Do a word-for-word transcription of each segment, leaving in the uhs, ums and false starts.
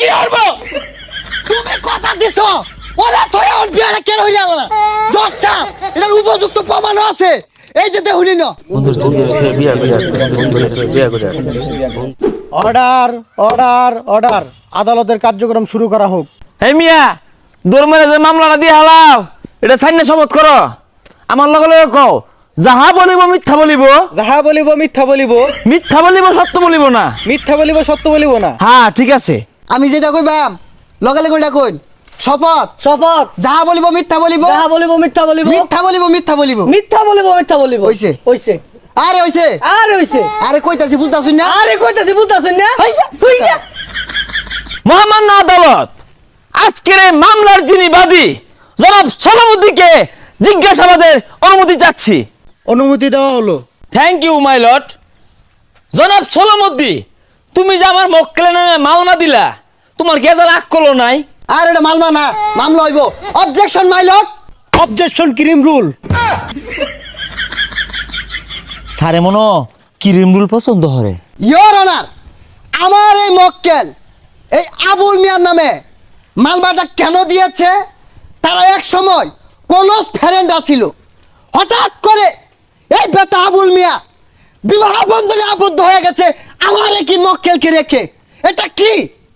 কি করবো? তুমি কথা দিছো ওরা থয়ে ওর বিয়াটা কেন হইল না জজ সাহেব এটার উপযুক্ত প্রমাণ আছে এই যে দেখুনি না অর্ডার অর্ডার অর্ডার আদালতের কার্যক্রম শুরু করা হোক। এই মিয়া দৌড় যে মামলাটা দিয়ে হালাও এটা সাইনে শপথ করো আমার লগে লগে কও যাহা বলিব মিথ্যা বলিব যাহা বলিব মিথ্যা বলিব মিথ্যা বলিব সত্য বলিব না মিথ্যা বলিব সত্য বলিব না। হ্যাঁ ঠিক আছে আমি যেটা কইবাম লগে লগে ওটা কইন শপথ শপথ যাহা বলিব মিথ্যা বলিব যাহা বলিব মিথ্যা বলিব মিথ্যা বলিব মিথ্যা বলিব মিথ্যা বলিব মিথ্যা বলিব হইছে হইছে আরে হইছে আরে হইছে আরে কইতাছি বুঝতাছুন না আরে কইতাছি বুঝতাছুন না হইছে হইছে। মহামান্য আদালত আজকের এই মামলার যিনি বাদী জনাব সলামুদ্দিনকে জিজ্ঞাসাবাদের অনুমতি চাচ্ছি। অনুমতি দেওয়া হলো। Thank you my lord. জনাব সলামুদ্দিন তুমি যে আমার মক্কেলের নামে মামলা দিলা তোমার কি রাগ করলো নাই? আর এটা মামলা না মামলা হইব অবজেকশন মাই লর্ড অবজেকশন ক্রিম রুল। সারে মনো ক্রিম রুল পছন্দ করে। ইয়োর অনার আমার এই মক্কেল এই আবুল মিয়ার নামে মালবাটা কেন দিয়েছে তারা এক সময় ক্লোজ ফ্রেন্ড ছিল হঠাৎ করে এই বেটা আবুল মিয়া বিবাহ বন্ধনে আবদ্ধ হয়ে গেছে আমার কি মক্কেলকে রেখে এটা কি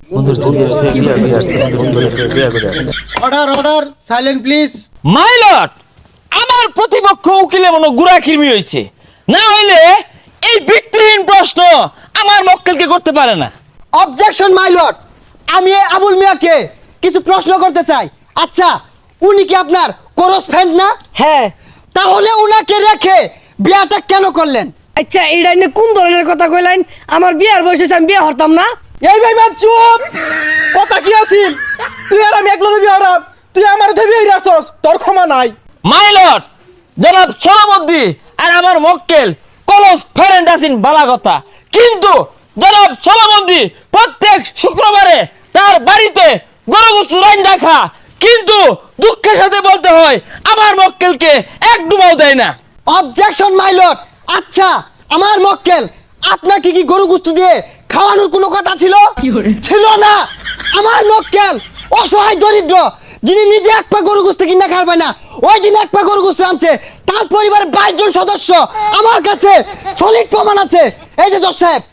order order silent please. My lord আমার প্রতিপক্ষ উকিলে মনে গুড়া কিরমি হয়েছে না হইলে এই ভিত্তিহীন প্রশ্ন আমার মক্কেলকে করতে পারে না। অবজেকশন মাই লর্ড আমি এই আবুল মিয়াকে কিছু প্রশ্ন করতে চাই। আচ্ছা উনি কি আপনার ক্লোজ ফ্রেন্ড না? হ্যাঁ। তাহলে উনাকে রেখে বিয়াটা কেন করলেন? আচ্ছা এইটা নিয়ে কোন ধরনের কথা কইলেন? আমার বিয়ার বয়সে আমি বিয়ে হরতাম না। এই ভাই বাপ চুপ কথা কি আছিল তুই আর আমি একলা বিয়ে হরাম তুই আমার ধরে বিয়ে হইরাছস তোর ক্ষমা নাই। মাই লর্ড জনাব সলামুদ্দিন আর আমার মক্কেল ক্লোজ ফ্রেন্ড আছেন বালা কথা কিন্তু জনাব সলামুদ্দিন প্রত্যেক শুক্রবারে তার বাড়িতে গরু গোশত রান্না খা কিন্তু দুঃখের সাথে বলতে হয় আমার মক্কেলকে এক ডুবাও দেয় না। অবজেকশন মাই লর্ড আচ্ছা আমার মক্কেল আপনাকে কি গরু গোশত দিয়ে খাওয়ানোর কোনো কথা ছিল? ছিল না। আমার মক্কেল অসহায় দরিদ্র যিনি নিজে এক পা গরু গোশত কিনা খাবে না ওই দিন এক পা গরু গোশত আনছে তার পরিবারের বাইশ জন সদস্য আমার কাছে সলিড প্রমাণ আছে এই যে জজ সাহেব।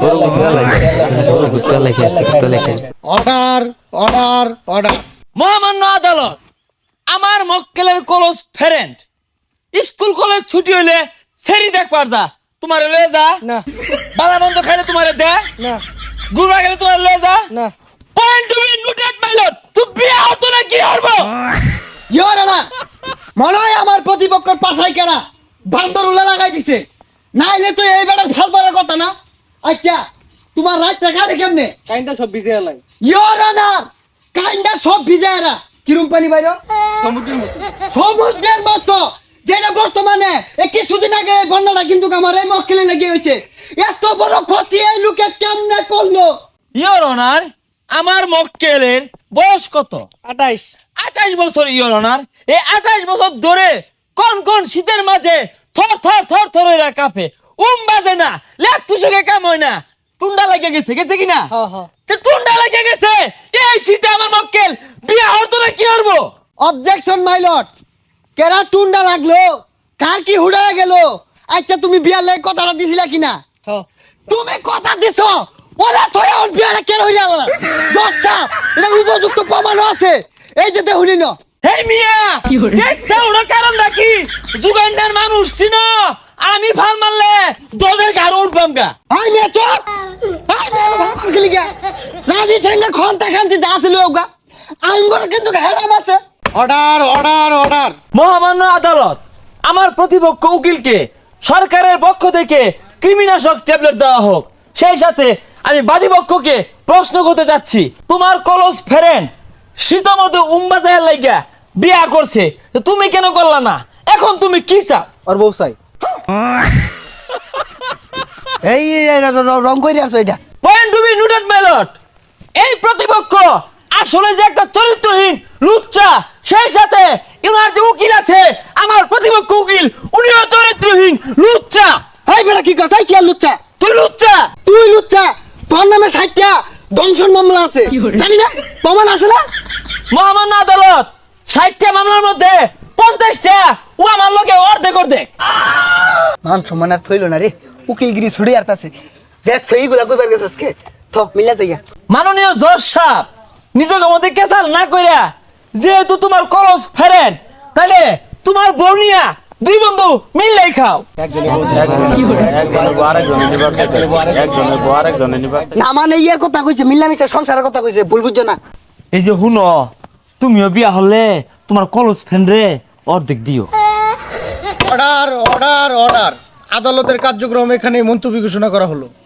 Order order order. মহামান্য আদালত আমার মক্কেলের ক্লোজ ফ্রেন্ড স্কুল কলেজ ছুটি হইলে সেরি দেখ পারদা তোমারে লয়ে যা না বালা বন্ধ খাইলে তোমারে দে না গুরবা গেলে তোমারে লয়ে যা না। Point to be noted my lord তুই বিয়ে হতো না কি করবো? ইয়োর অনার মনে হয় আমার প্রতিপক্ষের পাশাই কেনা বান্দর উল্লা লাগাই দিছে নাইলে তো এই বেটার ভাল পারার কথা না। আচ্ছা তোমার রাতটা কাটে কেমনে? কাইন্ডা সব ভিজে এলাই ইয়োর অনার কাইন্ডা সব ভিজায়রা কিরম পানি বাইরো সমুদ্রের মতো সমুদ্রের মতো যেটা বর্তমানে এই কিছুদিন আগে এই বন্যাটা কিন্তু আমার এই মক্কেলে লেগে হয়েছে এত বড় ক্ষতি এই লোকে কেমনে করলো? ইওর অনার আমার মক্কেলের বয়স কত? আঠাইশ। আঠাইশ বছর ইওর অনার এই আঠাইশ বছর ধরে কোন কোন শীতের মাঝে থর থর থর থর হইরা কাঁপে উম বাজে না লেপ তুষকে কাম হয় না টুন্ডা লাগে গেছে গেছে কিনা হ্যাঁ হ্যাঁ। তো টুন্ডা লাগে গেছে এই শীতে আমার মক্কেল বিয়ে হতো না কি করবো? অবজেকশন মাই লর্ড কেরা টুন্ডা লাগলো কার কি হুড়ায় গেল? আচ্ছা তুমি বিয়ার লাগে কথাটা দিছিলা কিনা? হ্যাঁ। তুমি কথা দিছো ওরা থয়ে ওর বিয়াটা কেন হইল না জজ সাহেব এটার উপযুক্ত প্রমাণ আছে এই যে দেখুনি না। এই মিয়া চেষ্টা ওরা কারণ নাকি যুগান্ডার মানুষ চিনো আমি ফাল মারলে দোদের গাড় উঠবাম গা। আই মে চুপ আই মে ভাত খেলি গা রাজি ঠেঙ্গা খন্তা খান্তি যা ছিল ওগা আঙ্গর কিন্তু হেরাম আছে। Order order order. মহামান্য আদালত আমার প্রতিপক্ষ উকিলকে সরকারের পক্ষ থেকে কৃমিনাশক ট্যাবলেট দেওয়া হোক সেই সাথে আমি বাদীপক্ষকে প্রশ্ন করতে চাচ্ছি তোমার ক্লোজ ফ্রেন্ড শীতমতো উম্বাজাহের লাইগা বিয়া করছে তো তুমি কেন করলা না? এখন তুমি কি চাও? আর বউ চাই এই রং করে আসো এটা point to be noted my lord এই প্রতিপক্ষ আসলে যে একটা চরিত্রহীন লুচ্চা সেই সাথে ইনার যে উকিল আছে আমার প্রতিপক্ষ উকিল উনিও চরিত্রহীন লুচ্চা। এই বেটা কি কথা কি আর লুচ্চা? তুই লুচ্চা তুই লুচ্চা তোর নামে ষাটটা দংশন মামলা আছে জানি না প্রমাণ আছে না মহামান্য আদালত ষাটটা মামলার মধ্যে পঞ্চাশটা ও আমার লোকে অর্ধেক অর্ধেক। মান সম্মান আর থইল না রে উকিলগিরি ছুড়ে আরতাছে দেখ সেইগুলা কইবার গেছস কে থ মিলা যাইয়া মাননীয় জজ সাহেব নিজেকে মধ্যে কেসাল না কইরা যেহেতু তোমার কলস ফেরেন তাহলে তোমার বর্ণিয়া দুই বন্ধু মিললেই খাও। না মানে ইয়ার কথা কইছে মিলামিশা সংসারের কথা কইছে ভুল বুঝছো না এই যে হুনো তুমিও বিয়া হলে তোমার কলস ফ্রেন্ড রে অর্ধেক দিও। অর্ডার অর্ডার অর্ডার আদালতের কার্যক্রম এখানে মুলতবি ঘোষণা করা হলো।